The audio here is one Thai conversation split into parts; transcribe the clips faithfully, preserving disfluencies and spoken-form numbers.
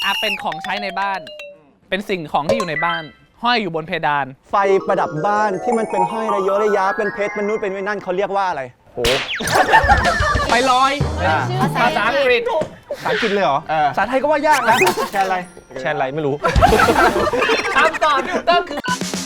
อ่ะเป็นของใช้ในบ้าน เป็นสิ่งของที่อยู่ในบ้าน ห้อยอยู่บนเพดานไฟประดับบ้านที่มันเป็นห้อยระยะระยะเป็นเพชรเป็นนุชเป็นไว้นั่นเขาเรียกว่าอะไรโหไฟลอยภาษาอังกฤษภาษาอังกฤษเลยเหรอภาษาไทยก็ว่ายากนะแชร์อะไรแชร์อะไรไม่รู้คำตอบที่ถูกต้องคือ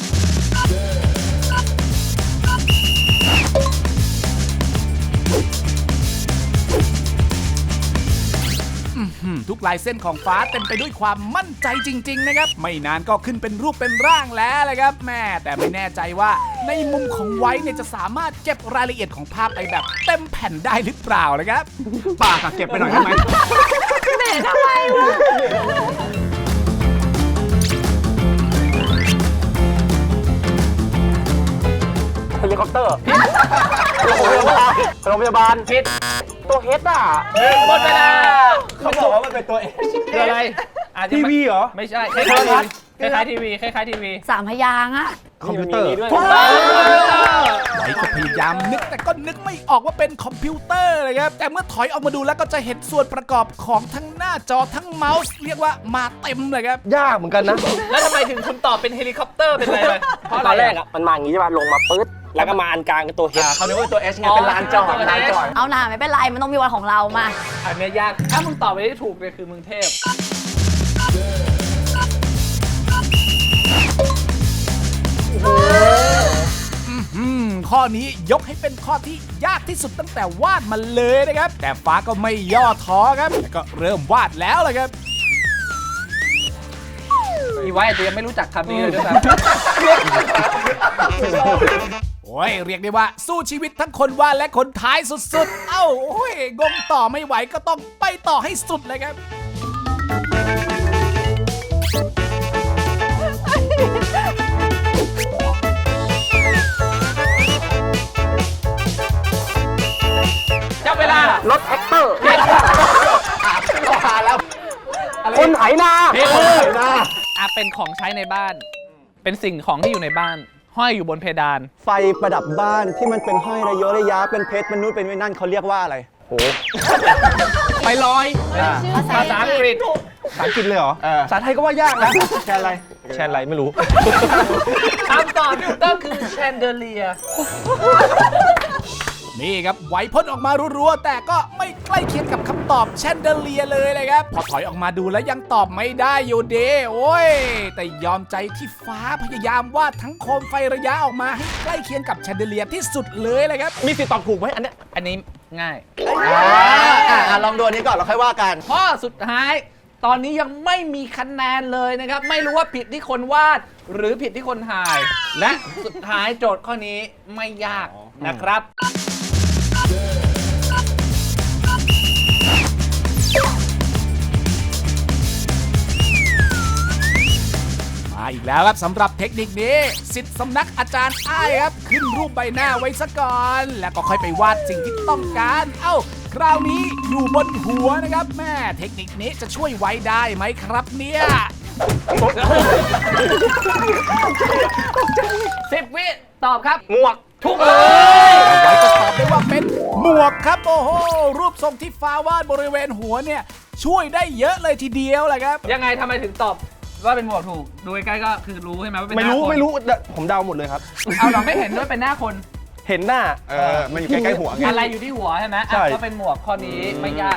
ทุกลายเส้นของฟ้าเต็มไปด้วยความมั่นใจจริงๆนะครับไม่นานก็ขึ้นเป็นรูปเป็นร่างแล้วเลยครับแม่แต่ไม่แน่ใจว่าในมุมของไว้เนี่ยจะสามารถเก็บรายละเอียดของภาพไปแบบเต็มแผ่นได้หรือเปล่านะครับปากเก็บไปหน่อยได้ไหมแหมทำไมวะเฮลิคอปเตอร์โรงพยาบาลผิดตัวเฮดอ่ะหมดเวลาเขาบอกว่ามันเป็นตัวเอคืออะไรอาจจะทีวีเหรอไม่ใช่คล้ายๆทีวีคล้ายๆทีวีคล้ายๆทีวีสามพยางค์อะคอมพิวเตอร์ไว้ก็พยายามนึกแต่ก็นึกไม่ออกว่าเป็นคอมพิวเตอร์เลยครับแต่เมื่อถอยออกมาดูแล้วก็จะเห็นส่วนประกอบของทั้งหน้าจอทั้งเมาส์เรียกว่ามาเต็มเลยครับยากเหมือนกันนะแล้วทำไมถึงคุณตอบเป็นเฮลิคอปเตอร์เป็นอะไรเลยเพราะตอนแรกอ่ะมันมาอย่างนี้ใช่ป่ะลงมาปึ๊ดแล้วก็มาอันกลางกับตัวเฮดเขาเรียกว่าตัว H ไงเป็นลานจอดลานจอดเอาหน่าไม่เป็นไรมันต้องมีวันของเรามาอันเนี้ยยากถ้ามึงตอบไปได้ถูกเลยคือมึงเทพอืมข้อนี้ยกให้เป็นข้อที่ยากที่สุดตั้งแต่วาดมาเลยนะครับ แต่ฟ้าก็ไม่ย่อท้อครับแล้วก็เริ่มวาดแล้วเลยครับอีไว้อาจจะยังไม่รู้จักคำนี้เลยด้วยซ้โอ้ยเรียกได้ว่าสู้ชีวิตทั้งคนวาดและคนท้ายสุดๆ เอ้าโอ้ยงงต่อไม่ไหวก็ต้องไปต่อให้สุดเลยครับำจับเวลารถแท็กเตอร์แล้วคนไถนาผิดหน้าอ่ะเป็นของใช้ในบ้าน เป็นสิ่งของที่อยู่ในบ้าน ห้อยอยู่บนเพดานไฟประดับบ้านที่มันเป็นห้อยระยะระยะเป็นเพชรเป็นนุชเป็นไว้นั่นเขาเรียกว่าอะไรโหไฟลอยภาษาอังกฤษภาษาอังกฤษเลยเหรอภาษาไทยก็ว่ายากนะแชร์อะไรแชร์อะไรไม่รู้คำตอบที่ถูกต้องคือแชนเดเลียนี่ครับไหวพ่นออกมารัวๆแต่ก็ไม่ใกล้เคียงกับคำตอบแชนเดเลียเลยเลยครับ พอถอยออกมาดูแล้วยังตอบไม่ได้อยู่เด้โอ้ย แต่ยอมใจที่ฟ้าพยายามวาดทั้งโคมไฟระยะออกมาให้ใกล้เคียงกับแชนเดเลียที่สุดเลยเลยครับมีสิทธิ์ตอบถูกไหมอันเนี้ยอันนี้ง่ายอ่าลองดูอันนี้ก่อนเราค่อยว่ากันข้อสุดท้าย ตอนนี้ยังไม่มีคะแนนเลยนะครับ ไม่รู้ว่าผิดที่คนวาด หรือผิดที่คนถ่าย และสุดท้ายโจทย์ข้อนี้ไม่ยากนะครับมาอีกแล้วครับสำหรับเทคนิคนี้สิทธิ์สำนักอาจารย์อ้ายครับ ขึ้นรูปใบหน้าไว้ซะก่อน แล้วก็ค่อยไปวาดสิ่งที่ต้องการ เอ้า คราวนี้อยู่บนหัวนะครับแม่เทคนิคนี้จะช่วยไว้ได้ไหมครับเนี่ยสิบ วิตอบครับหมวกถูกเลยไว้จะตอบได้ว่าเป็นหมวกครับโอ้โหรูปทรงที่ฟ้าวาดบริเวณหัวเนี่ยช่วยได้เยอะเลยทีเดียวแหละครับยังไงทำไมถึงตอบว่าเป็นหมวกถูก ดูใกล้ๆก็คือรู้ใช่ไหมว่าเป็นหไม่น้ารู้คนไม่รู้ผมเดาหมดเลยครับเอาเราไม่เห็นด้วยเป็นหน้าคนเห็นหน้าเออมันอยู่ใกล้ๆหัวไงอะไรอยู่ที่หัวใช่ไหมใช่อ่ะก็เป็นหมวกข้อนี้ไม่ยาก